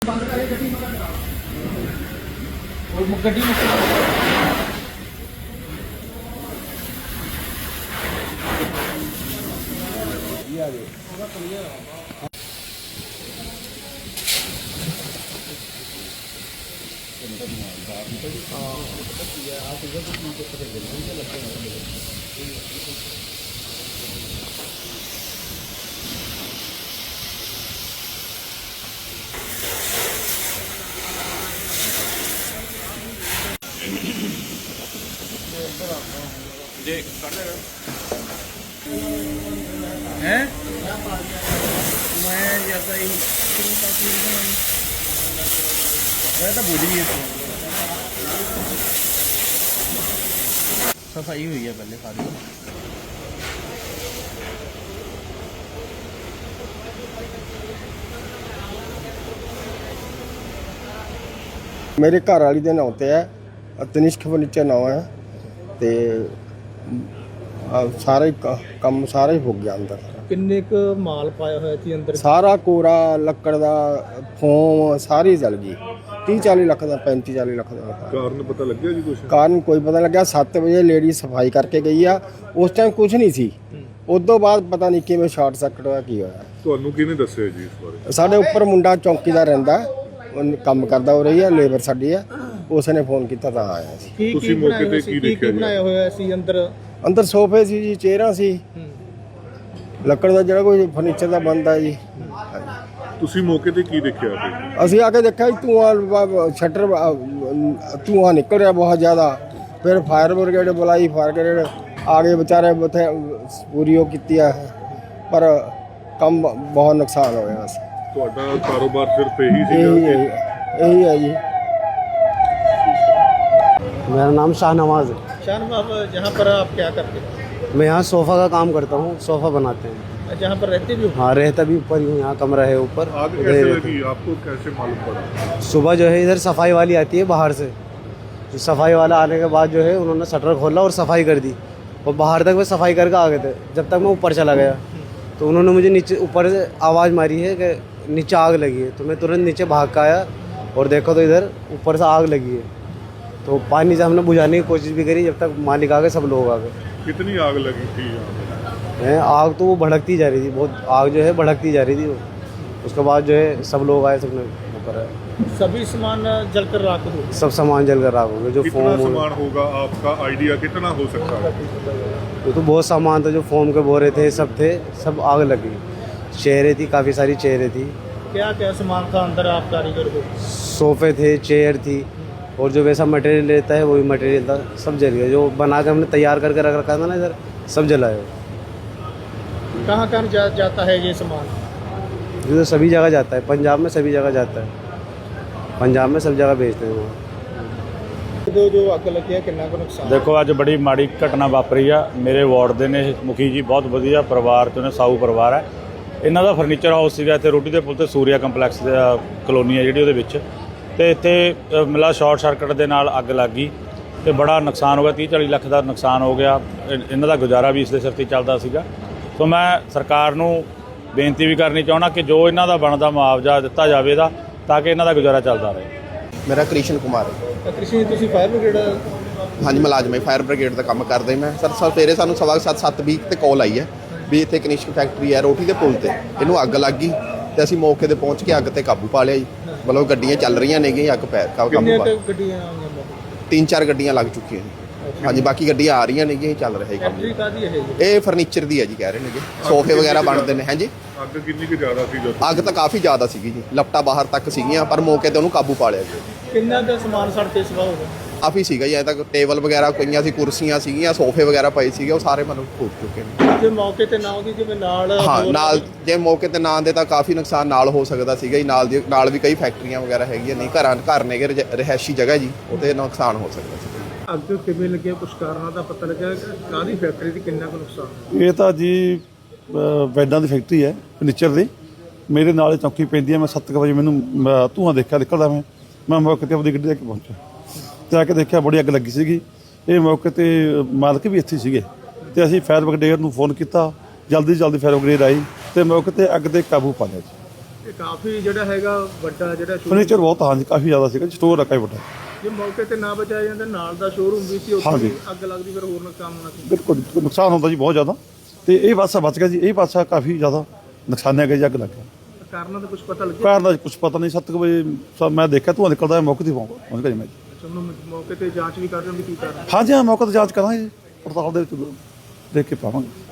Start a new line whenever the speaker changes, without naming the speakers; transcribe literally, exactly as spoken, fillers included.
गड्डी जी हैं मैं जैसा ही मैं तो भूल ही सफाई हुई है पहले सारी।
मेरे घर वाली के नाम से है, तनिष्क फर्नीचर नाम है, ते सारा ही काम सारा ही हो गया अंदर।
किन्ने क माल पाया होया थी अंदर?
सारा कोरा लक्कड़ दा फोम सारी जल गई। तीह चाली लख का पैंती चाली लख का।
कारण पता लग गया जी कुछ?
कारण कोई पता लग्या। सत्त बजे लेडी सफाई करके गई आ, उस टाइम कुछ नहीं सी। उदों बाद पता नहीं किवें शॉर्ट सर्किट होया की होया।
ਤੁਹਾਨੂੰ ਕਿਹਨੇ ਦੱਸਿਆ ਜੀ ਇਸ ਬਾਰੇ?
ਸਾਡੇ ਉੱਪਰ ਮੁੰਡਾ ਚੌਂਕੀਦਾਰ ਰਹਿੰਦਾ, ਉਹ ਕੰਮ ਕਰਦਾ ਹੋ ਰਹੀ ਹੈ, ਲੇਬਰ ਸਾਡੀ ਹੈ, ਉਸਨੇ ਫੋਨ ਕੀਤਾ ਤਾਂ ਆਇਆ ਸੀ।
ਕੀ
ਤੁਸੀਂ ਮੌਕੇ ਤੇ ਕੀ ਦੇਖਿਆ ਜੀ?
ਬਣਾਇਆ ਹੋਇਆ ਸੀ ਅੰਦਰ?
ਅੰਦਰ ਸੋਫੇ ਸੀ ਜੀ, ਚੇਅਰਾਂ ਸੀ, ਲੱਕੜ ਦਾ ਜਿਹੜਾ ਕੋਈ ਫਰਨੀਚਰ ਦਾ ਬਣਦਾ ਜੀ।
ਤੁਸੀਂ ਮੌਕੇ ਤੇ ਕੀ ਦੇਖਿਆ ਫਿਰ?
ਅਸੀਂ ਆ ਕੇ ਦੇਖਿਆ ਜੀ ਧੂੰਆਂ, ਸ਼ਟਰ ਧੂੰਆਂ ਨਿਕਲ ਰਿਹਾ ਬਹੁਤ ਜ਼ਿਆਦਾ। ਫਿਰ ਫਾਇਰ ਬ੍ਰਿਗੇਡ ਬੁਲਾਈ, ਫਾਇਰ ਬ੍ਰਿਗੇਡ ਆ ਗਏ ਵਿਚਾਰੇ ਉੱਥੇ ਪੂਰੀ ਉਹ ਕੀਤੀ ਆ, ਪਰ ਕੰਮ ਬਹੁਤ ਨੁਕਸਾਨ ਹੋਇਆ ਸੀ।
ਤੁਹਾਡਾ ਕਾਰੋਬਾਰ ਸਿਰਫ ਇਹੀ ਸੀਗਾ?
ਇਹੀ ਇਹੀ ਹੈ ਜੀ।
मेरा नाम शाहनवाज है।
शाहनवाज, जहाँ पर आप क्या करते हैं?
मैं यहाँ सोफ़ा का काम करता हूँ, सोफ़ा बनाते हैं।
जहाँ पर रहते भी हो?
हाँ, रहता भी ऊपर ही हूँ, यहाँ कमरा है ऊपर।
आग कैसे लगी आपको, कैसे मालूम पड़ा?
सुबह जो है इधर सफाई वाली आती है बाहर से, तो सफाई वाला आने के बाद जो है उन्होंने शटर खोला और सफाई कर दी, और बाहर तक वे सफाई करके आ गए थे। जब तक मैं ऊपर चला गया तो उन्होंने मुझे नीचे ऊपर से आवाज़ मारी है कि नीचे आग लगी है, तो मैं तुरंत नीचे भाग कर आया और देखा तो इधर ऊपर से आग लगी है। तो पानी से हमने बुझाने की कोशिश भी करी, जब तक मालिक आ गए, सब लोग आ गए।
कितनी आग लगी थी यहाँ?
है आग तो वो भड़कती जा रही थी, बहुत आग जो है भड़कती जा रही थी वो। उसके बाद जो है सब लोग आए, सबने वो करा,
सभी सामान जलकर राख हो गए?
सब सामान जल कर राख हो गया। जो
कितना
फोम
सामान होगा, आपका आइडिया कितना हो सकता है?
वो तो बहुत सामान था, जो फोम के बोरे थे सब थे, सब आग लगी। चेयरें थी, काफ़ी सारी चेयरें थी।
क्या क्या सामान था अंदर आप कारीगर को?
सोफ़े थे, चेयर थी, और जो वैसा मटेरियल रहता है वही मटेरियल था, सब जल गया। जो बना के हमने तैयार करके रख रखा था ना इधर, सब जलाया।
कहाँ कहाँ जा, जाता है ये सामान?
ये तो सभी जगह जाता है, पंजाब में सभी जगह जाता है, पंजाब में सब जगह भेजते हैं वहाँ।
जो जो अग लगी है कितना को नुकसान?
देखो अज बड़ी माड़ी घटना वापरी आ। मेरे वार्ड के ने मुखी जी बहुत वधिया परिवार चों ने, साऊ परिवार है। इन्हों का फर्नीचर हाउस सीगा इत्थे रोटी के पुल ते सूर्या कंपलैक्स कलोनी है जिहड़ी उहदे विच, ते इत्थे मतलब शॉर्ट सर्किट के नाल अग लग गई ते बड़ा नुकसान हो गया। तीह चाली लख का नुकसान हो गया। इन्हों का गुजारा भी इस दे सिर ते चलदा सीगा। तो मैं सरकार नूं बेनती भी करनी चाहुंदा कि जो इन्हों का बनदा मुआवजा दिता जावे दा, ताकि इन्हों का गुजारा चलता रहे।
मेरा कृष्ण कुमार है।
कृष्ण तुसीं फायर ब्रिगेड?
हाँ जी, मुलाजम है, फायर ब्रिगेड का काम करते मैं सर। सवेरे सानूं सवा सत्त सत्त बीस ते कॉल आई है भी इत्थे कनिष्क फैक्ट्री है रोटी के पुल ते, इनू अग लग गई, तो असीं मौके ते पहुँच के अग ते काबू पा लिया जी। मतलब गड्डियाँ चल रही ने, अग पै काबू पा, तीन चार गड्डियाँ लग चुकी हैं। हाँ जी, बाकी गड्डियाँ आ रही ने, चल रहा है काम। ये फर्नीचर दी है जी, कह रहे हैं सोफे वगैरह बनते हैं। हाँ जी,
ਅੱਗ ਕਿੰਨੀ ਕੁ ਜ਼ਿਆਦਾ ਸੀ? ਜਦੋਂ
ਅੱਗ ਤਾਂ ਕਾਫੀ ਜ਼ਿਆਦਾ ਸੀਗੀ ਜੀ, ਲਪਟਾ ਬਾਹਰ ਤੱਕ ਸੀਗੀਆਂ, ਪਰ ਮੌਕੇ ਤੇ ਉਹਨੂੰ ਕਾਬੂ ਪਾ ਲਿਆ ਜੀ।
ਕਿੰਨਾ ਦਾ ਸਮਾਨ ਸੜ ਕੇ ਸਵਾ ਹੋ ਗਿਆ?
ਕਾਫੀ ਸੀਗਾ ਜੀ, ਐ ਤੱਕ ਟੇਬਲ ਵਗੈਰਾ ਪਈਆਂ ਸੀ, ਕੁਰਸੀਆਂ ਸੀਗੀਆਂ, ਸੋਫੇ ਵਗੈਰਾ ਪਏ ਸੀਗੇ, ਉਹ ਸਾਰੇ ਮਤਲਬ ਫੁੱਟ ਚੁੱਕੇ ਨੇ।
ਜੇ ਮੌਕੇ ਤੇ ਨਾ ਉਹਦੀ ਜਿਵੇਂ ਨਾਲ
ਹਾਂ, ਨਾਲ ਜੇ ਮੌਕੇ ਤੇ ਨਾ ਆਉਂਦੇ ਤਾਂ ਕਾਫੀ ਨੁਕਸਾਨ ਨਾਲ ਹੋ ਸਕਦਾ ਸੀਗਾ ਜੀ। ਨਾਲ ਦੀ ਨਾਲ ਵੀ ਕਈ ਫੈਕਟਰੀਆਂ ਵਗੈਰਾ ਹੈਗੀਆਂ, ਨਹੀਂ ਘਰਾਂ ਘਰ ਨੇਗੇ, ਰਿਹਾਇਸ਼ੀ ਜਗ੍ਹਾ ਜੀ, ਉਹਤੇ ਨੁਕਸਾਨ ਹੋ ਸਕਦਾ ਸੀ।
ਅੱਗ ਕਿਵੇਂ ਲੱਗਿਆ, ਕੁਛ ਕਾਰਨਾਂ ਦਾ ਪਤਾ ਲੱਗਿਆ? ਕਾਹਦੀ ਫੈਕਟਰੀ ਦੀ ਕਿੰਨਾ ਕੁ ਨੁਕਸਾਨ?
ਇਹ ਤਾਂ ਜੀ ਬੈਡਾਂ ਦੀ ਫੈਕਟਰੀ ਹੈ ਫਰਨੀਚਰ ਦੀ। ਮੇਰੇ ਨਾਲ ਚੌਂਕੀ ਪੈਂਦੀ ਹੈ। ਮੈਂ ਸੱਤ ਕੁ ਵਜੇ ਮੈਨੂੰ ਧੂੰਆਂ ਦੇਖਿਆ ਨਿਕਲਦਾ, ਮੈਂ ਮੈਂ ਮੌਕੇ 'ਤੇ ਆਪਣੀ ਗੱਡੀ ਲੈ ਕੇ ਪਹੁੰਚਿਆ ਤੇ ਆ ਕੇ ਦੇਖਿਆ ਬੜੀ ਅੱਗ ਲੱਗੀ ਸੀਗੀ। ਇਹ ਮੌਕੇ 'ਤੇ ਮਾਲਕ ਵੀ ਇੱਥੇ ਸੀਗੇ, ਤੇ ਅਸੀਂ ਫਾਇਰ ਬ੍ਰਿਗੇਡ ਨੂੰ ਫੋਨ ਕੀਤਾ। ਜਲਦੀ ਜਲਦੀ ਫਾਇਰ ਬ੍ਰਿਗੇਡ ਆਈ ਤੇ ਮੌਕੇ 'ਤੇ ਅੱਗ 'ਤੇ ਕਾਬੂ ਪਾ ਲਿਆ ਜੀ।
ਇਹ ਕਾਫੀ ਜਿਹੜਾ ਹੈਗਾ ਵੱਡਾ ਜਿਹੜਾ showroom-
ਫਰਨੀਚਰ ਬਹੁਤ ਹਾਂਜੀ ਕਾਫੀ ਜ਼ਿਆਦਾ ਸੀਗਾ ਸਟੋਰ ਰੱਖਿਆ ਵੱਡਾ
ਜੇ ਮੌਕੇ ਤੇ ਨਾ ਬਚਾਇਆ ਜਾਂਦਾ ਨਾਲ ਦਾ ਸ਼ੋਰੂਮ ਵੀ ਸੀ ਉੱਥੇ
ਹਾਂਜੀ।
ਵੀ ਅੱਗ ਲੱਗਦੀ ਫਿਰ ਹੋਰ ਨੁਕਸਾਨ ਹੋਣਾ ਸੀ।
ਬਿਲਕੁਲ ਬਿਲਕੁਲ ਨੁਕਸਾਨ ਹੁੰਦਾ ਜੀ ਬਹੁਤ ਜ਼ਿਆਦਾ ਤੇ ਇਹ ਪਾਸਾ ਬਚ ਗਿਆ ਜੀ ਇਹ ਪਾਸਾ ਕਾਫੀ ਜ਼ਿਆਦਾ ਨੁਕਸਾਨਿਆ ਗਿਆ ਜੀ ਅੱਗ ਲੱਗ ਗਿਆ
ਕਾਰਨਾਂ ਦਾ ਕੁਝ ਪਤਾ ਲੱਗਿਆ?
ਕਾਰਨ ਦਾ ਕੁਝ ਪਤਾ ਨਹੀਂ ਸੱਤ ਕੁ ਵਜੇ ਸ- ਮੈਂ ਦੇਖਿਆ ਧੂੰਆਂ ਨਿਕਲਦਾ ਹੈ, ਮੌਕੇ ਤੇ ਪਹੁੰਚ ਪਹੁੰਚ ਗਿਆ ਜੀ ਮੈਂ ਜੀ।
ਅੱਛਾ, ਹੁਣ ਮੌਕੇ ਤੇ ਜਾਂਚ ਵੀ ਕਰ ਰਹੇ ਹੋ ਵੀ ਕੀ ਕਾਰਨ?
ਹਾਂਜੀ ਹਾਂ ਮੌਕੇ ਤੇ ਜਾਂਚ ਕਰਾਂਗੇ ਜੀ ਪੜਤਾਲ ਦੇ ਵਿੱਚ ਦੇਖ ਕੇ ਪਾਵਾਂਗੇ